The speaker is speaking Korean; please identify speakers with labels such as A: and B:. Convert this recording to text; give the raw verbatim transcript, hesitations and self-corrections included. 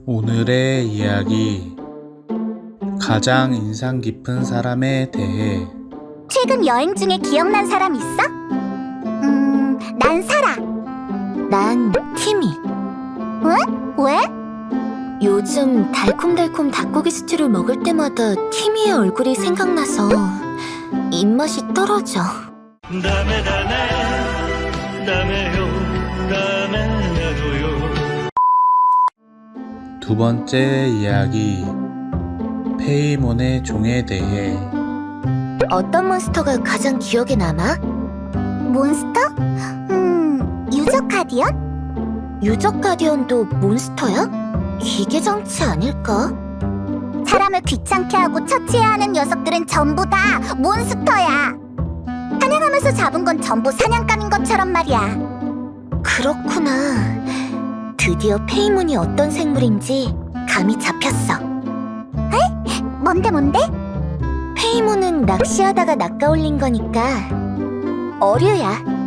A: 오늘의 이야기. 가장 인상 깊은 사람에 대해.
B: 최근 여행 중에 기억난 사람 있어? 음, 난 사라.
C: 난 티미.
B: 왜? 왜?
C: 요즘 달콤달콤 닭고기 스튜를 먹을 때마다 티미의 얼굴이 생각나서 입맛이 떨어져.
D: 다음에 다음에 다음에요 다음에도요.
A: 두 번째 이야기. 페이몬의 종에 대해.
C: 어떤 몬스터가 가장 기억에 남아?
B: 몬스터? 음, 유저 가디언?
C: 유적 가디언도 몬스터야? 기계 장치 아닐까?
B: 사람을 귀찮게 하고 처치해야 하는 녀석들은 전부 다 몬스터야. 사냥하면서 잡은 건 전부 사냥감인 것처럼 말이야.
C: 그렇구나. 드디어 페이몬이 어떤 생물인지 감이 잡혔어.
B: 뭔데 뭔데?
C: 페이몬은 낚시하다가 낚아올린 거니까 어류야.